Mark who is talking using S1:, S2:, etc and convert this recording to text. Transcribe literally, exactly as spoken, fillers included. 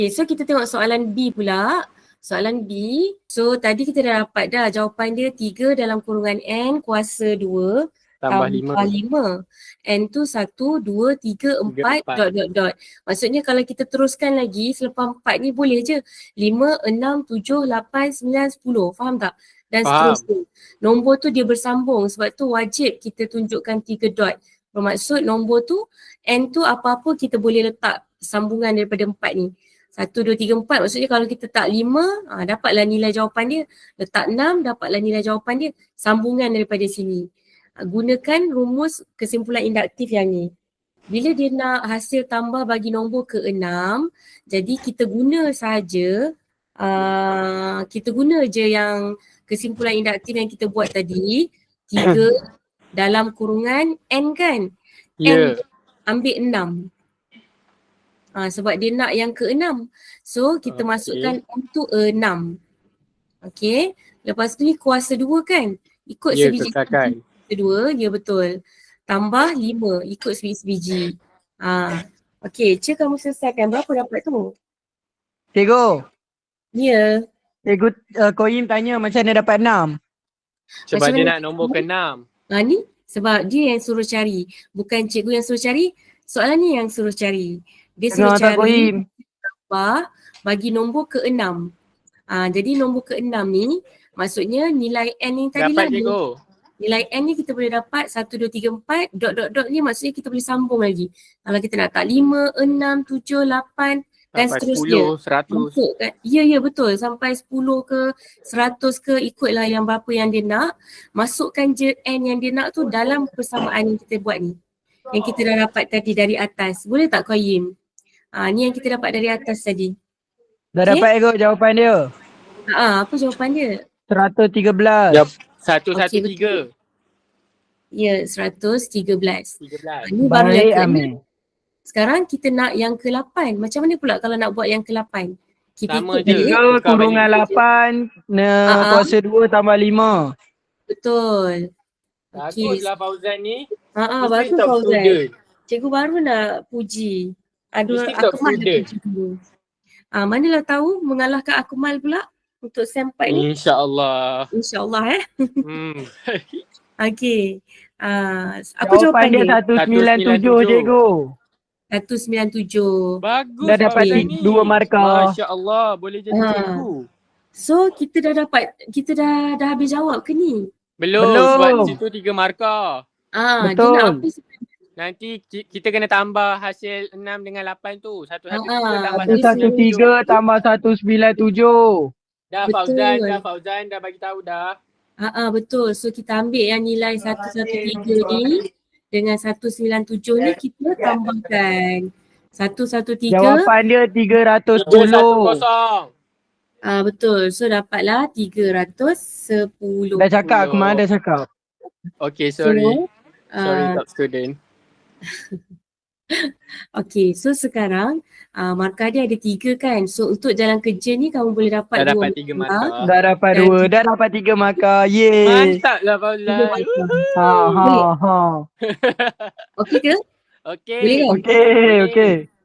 S1: Okay, so kita tengok soalan B pula. Soalan B, so tadi kita dah dapat dah jawapan dia tiga dalam kurungan N kuasa dua
S2: Tambah
S1: tambah lima. N tu satu, dua, tiga, empat,
S2: empat.
S1: dot, dot, dot. Maksudnya kalau kita teruskan lagi selepas empat ni boleh je. lima, enam, tujuh, lapan, sembilan, sepuluh. Faham tak? Dan
S2: Faham.
S1: seterusnya. Nombor tu dia bersambung sebab tu wajib kita tunjukkan tiga dot. Bermaksud nombor tu, N tu apa-apa kita boleh letak sambungan daripada empat ni. Satu, dua, tiga, empat. Maksudnya kalau kita tak lima, ha, dapatlah nilai jawapan dia. Letak enam, dapatlah nilai jawapan dia. Sambungan daripada sini. Ha, gunakan rumus kesimpulan induktif yang ni. Bila dia nak hasil tambah bagi nombor ke enam, jadi kita guna saja, uh, kita guna je yang kesimpulan induktif yang kita buat tadi. Tiga dalam kurungan N kan?
S2: Ya.
S1: N ambil enam. Ha, sebab dia nak yang keenam. So kita
S2: Okay.
S1: masukkan N tu enam. Okay. Lepas tu ni kuasa dua kan? Ikut
S2: Ya,
S1: sebiji
S2: kekalkan.
S1: kuasa dua. Ya betul. Tambah lima. Ikut sebiji-sebiji. Ha. Okay. Cik kamu selesaikan. Berapa dapat tu?
S3: Cikgu,
S1: Ya.
S3: cikgu uh, Koim tanya macam mana dapat enam.
S2: Sebab
S1: Macam
S2: dia
S1: mana?
S2: nak nombor keenam.
S1: Ha ni sebab dia yang suruh cari. Bukan cikgu yang suruh cari. Soalan ni yang suruh cari. Dia suruh
S3: Tengah tak
S1: cari
S3: Koim.
S1: tambah bagi nombor keenam. Ah, jadi nombor keenam ni maksudnya nilai N ni tadi
S2: Dapat
S1: lah.
S2: cikgu.
S1: Nilai N ni kita boleh dapat satu, dua, tiga, empat, dot, dot, dot ni maksudnya kita boleh sambung lagi. Kalau kita nak tak lima, enam, tujuh, lapan dan
S2: Sampai
S1: seterusnya.
S2: sepuluh, seratus.
S1: Masuk kan? Ya, ya betul. Sampai sepuluh ke seratus ke ikutlah yang berapa yang dia nak. Masukkan je N yang dia nak tu dalam persamaan yang kita buat ni. Yang kita dah dapat tadi dari atas. Boleh tak Qayyim? Ah, ni yang kita dapat dari atas tadi.
S3: Dah
S1: Okay?
S3: dapat cikgu jawapan dia.
S1: Ah, apa jawapan dia?
S3: seratus tiga belas.
S2: Yep. Satu, satu,
S1: Okey,
S2: tiga.
S1: Ya, seratus tiga belas.
S2: Tiga belas.
S1: Ini baru yang
S3: Baik
S1: ke
S3: Amir.
S1: Sekarang kita nak yang ke lapan. Macam mana pula kalau nak buat yang ke lapan? Kita
S2: Sama
S1: ikut
S2: je.
S1: balik.
S3: Tiga
S2: Tukar
S3: kurungan
S2: balik.
S3: lapan, ne,
S1: Ah, ah.
S3: kuasa dua tambah lima.
S1: Betul. Okey.
S2: Baguslah Fauzan ni.
S1: Ha ah,
S2: Mesti
S1: bagus
S2: top
S1: Fauzan.
S2: student.
S1: Cikgu baru nak puji. Aduh,
S2: Mesti top
S1: Akmal nak
S2: student.
S1: puji dulu. Ah, manalah tahu mengalahkan Akmal pula untuk sem empat ni.
S2: InsyaAllah.
S1: InsyaAllah eh.
S2: Hmm.
S1: Okey. Ah, apa
S3: Jawapan
S1: jawapan
S3: dia
S1: dia?
S3: seratus sembilan puluh tujuh cikgu.
S1: seratus sembilan puluh tujuh.
S2: Bagus
S3: Dah dapat
S2: Fauzan
S1: ti-
S2: ni.
S3: dua markah.
S2: Masya Allah. Boleh jadi
S1: Ha.
S2: cikgu.
S1: So kita dah dapat, kita dah dah habis jawab ke ni?
S2: Belum.
S3: Belum.
S2: Sebab di situ tiga markah.
S1: Ah, dia
S3: Betul.
S1: nak apa sebenarnya?
S2: Nanti ki- kita kena tambah hasil enam dengan lapan tu. Satu satu
S1: Ah,
S2: tiga tambah
S3: Satu satu tiga tambah satu sembilan tujuh.
S2: Dah
S1: Betul.
S2: Fauzan, dah Fauzan dah bagi tahu dah.
S1: Ah, ah, betul. So kita ambil yang nilai seratus tiga ni dengan seratus sembilan puluh tujuh ni kita tambahkan. seratus tiga.
S3: Jawapan dia tiga ratus
S2: Tiga satu
S3: sepuluh.
S2: kosong.
S1: Ah, betul. So dapatlah tiga ratus sepuluh.
S3: Dah cakap aku mana dah cakap.
S2: Okay, sorry.
S1: So,
S2: Sorry
S1: ah,
S2: top student.
S1: okay, so sekarang uh, markah dia ada tiga kan. So untuk jalan kerja ni kamu boleh dapat
S2: Dah
S1: dua
S2: dapat tiga markah.
S3: Dah dapat
S1: Dan
S3: dua. Dah dapat tiga markah. Yeay.
S2: Mantap lah
S1: Tiga
S2: Fauzan.
S1: markah.
S3: Ha ha ha.
S1: Okey ke?
S2: Okay.
S1: Boleh kan?
S3: Okey, okey.